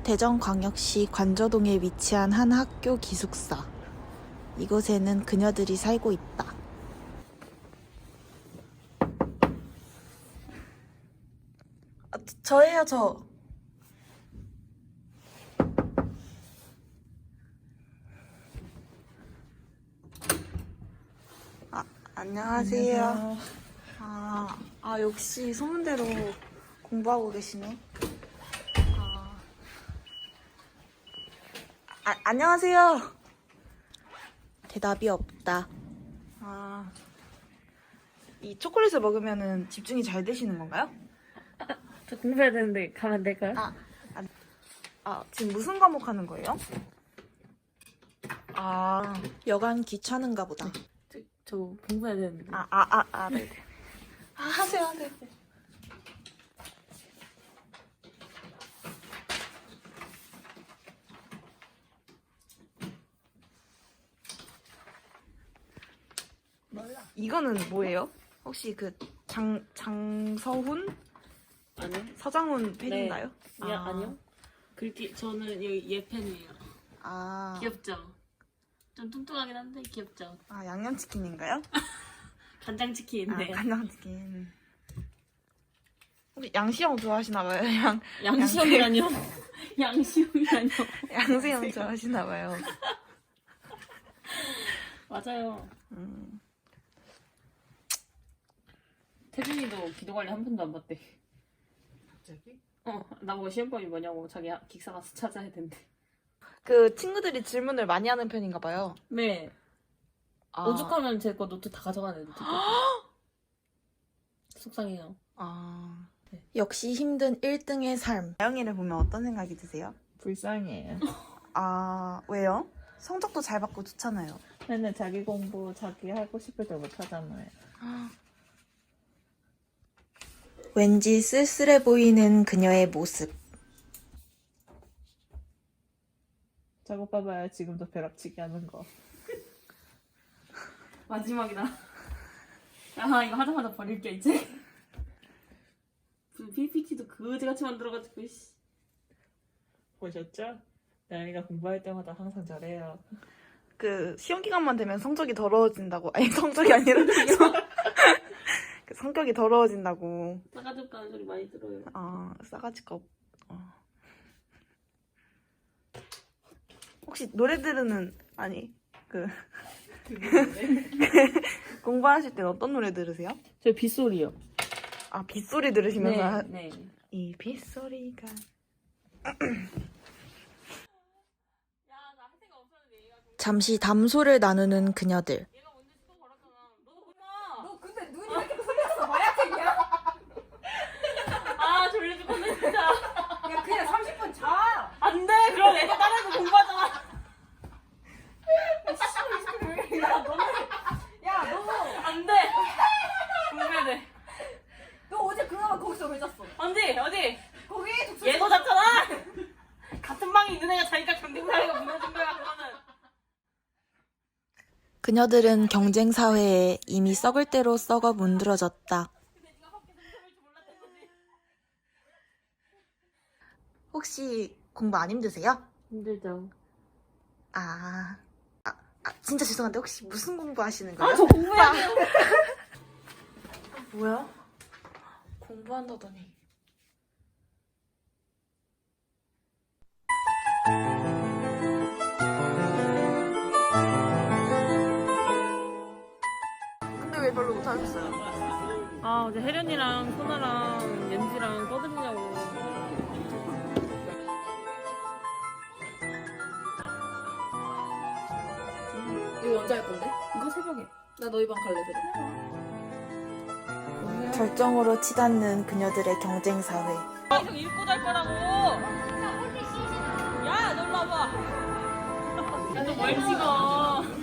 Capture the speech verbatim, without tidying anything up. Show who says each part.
Speaker 1: 대전광역시 관저동에 위치한 한 학교 기숙사. 이곳에는 그녀들이 살고 있다. 아, 저예요, 저. 아, 안녕하세요. 안녕하세요. 아, 아, 역시 소문대로 공부하고 계시네. 아, 아 안녕하세요. 대답이 없다. 아, 이 초콜릿을 먹으면은 집중이 잘 되시는 건가요?
Speaker 2: 저 공부해야 되는데 가면 안 될까요?
Speaker 1: 아, 아, 아, 지금 무슨 과목 하는 거예요? 아, 여간 귀찮은가 보다.
Speaker 2: 저, 저 공부해야 되는데.
Speaker 1: 아, 아, 아, 아, 네. 아, 하세요, 하세요.
Speaker 2: 몰라.
Speaker 1: 이거는 뭐예요? 혹시 그 장, 장서훈?
Speaker 2: 아니요.
Speaker 1: 서장훈 팬인가요?
Speaker 2: 네. 야,
Speaker 1: 아.
Speaker 2: 아니요. 글귀 저는 여기 얘 팬이에요.
Speaker 1: 아,
Speaker 2: 귀엽죠? 좀 뚱뚱하긴 한데 귀엽죠?
Speaker 1: 아 양념치킨인가요?
Speaker 2: 간장치킨인데.
Speaker 1: 아, 간장치킨. 혹시 양시형 좋아하시나봐요? 양,
Speaker 2: 양시형이라뇨? 양시형이라뇨?
Speaker 1: 양세형 좋아하시나봐요.
Speaker 2: 맞아요.
Speaker 1: 음.
Speaker 2: 태준이도 기도 관리 한 번도 안 받대.
Speaker 3: 갑자기?
Speaker 2: 어, 나보고 시험범위 뭐냐고 자기 기사 가서 찾아야 된대.
Speaker 1: 그 친구들이 질문을 많이 하는 편인가봐요.
Speaker 2: 네.
Speaker 1: 아.
Speaker 2: 오죽하면 제 거 노트 다 가져가는 애들. 속상해요.
Speaker 1: 아. 네. 역시 힘든 일 등의 삶. 나영이를 보면 어떤 생각이 드세요?
Speaker 3: 불쌍해요.
Speaker 1: 아, 왜요? 성적도 잘 받고 좋잖아요.
Speaker 3: 맨날 자기 공부 자기 하고 싶을 때 못하잖아요.
Speaker 1: 왠지 쓸쓸해 보이는 그녀의 모습.
Speaker 3: 저거 봐봐요. 지금도 벼락치기 하는 거.
Speaker 2: 마지막이다. 아 이거 하자마자 버릴게 이제. 피피티도 그지같이 만들어가지고 씨.
Speaker 3: 보셨죠? 나영이가 공부할 때마다 항상 저래요.
Speaker 1: 그 시험 기간만 되면 성적이 더러워진다고. 아니 성적이 아니라 그 성격이 더러워진다고.
Speaker 2: 싸가지 없다는 소리 많이 들어요.
Speaker 1: 아, 싸가지가 없. 어. 혹시 노래 들으는 아니 그 공부하실 땐 어떤 노래 들으세요?
Speaker 2: 저 빗소리요.
Speaker 1: 아, 빗소리 들으시면서
Speaker 2: 네,
Speaker 1: 하-
Speaker 2: 네.
Speaker 1: 이 빗소리가 잠시 담소를 나누는 그녀들.
Speaker 2: 얘가 먼저 시동 걸었잖아. 너도 엄마.
Speaker 4: 너 근데 눈이 왜 이렇게 풀렸어? 마약쟁이야?
Speaker 2: 아 졸려 죽겠네 진짜.
Speaker 4: 야 그냥 삼십 분 자.
Speaker 2: 안 돼. 그럼 애가 따라해서 공부하잖아.
Speaker 4: 야 너는 야 너 너
Speaker 2: 안 돼. 공부해야 돼.
Speaker 4: 어제 그나마 거기서 왜 잤어?
Speaker 2: 언제 어디?
Speaker 4: 거기 독서
Speaker 2: 얘도 잤잖아. 같은 방에 있는 애가 자기가 견딘 사이가 무너진 거야 그거는.
Speaker 1: 그녀들은 경쟁 사회에 이미 썩을 대로 썩어 문드러졌다.
Speaker 2: 근데 네가 밖에서 무서울 줄 몰랐던 거지.
Speaker 1: 혹시 공부 안 힘드세요?
Speaker 2: 힘들죠.
Speaker 1: 아, 아, 아 진짜 죄송한데 혹시 무슨 공부 하시는 거예요?
Speaker 2: 아 저 공부해야 돼요.
Speaker 1: 뭐야? 공부한다더니. 근데 왜 별로 못하셨어요?
Speaker 2: 아 어제 혜련이랑 소나랑 옌지랑 떠들냐고.
Speaker 4: 이거 언제 할 건데?
Speaker 2: 이거 새벽에.
Speaker 4: 나 너희 방 갈래 그럼.
Speaker 1: 절정으로 치닫는 그녀들의 경쟁 사회.
Speaker 2: 계속 읽고 잘 거라고. 야 놀러 와봐. 야너뭘 찍어.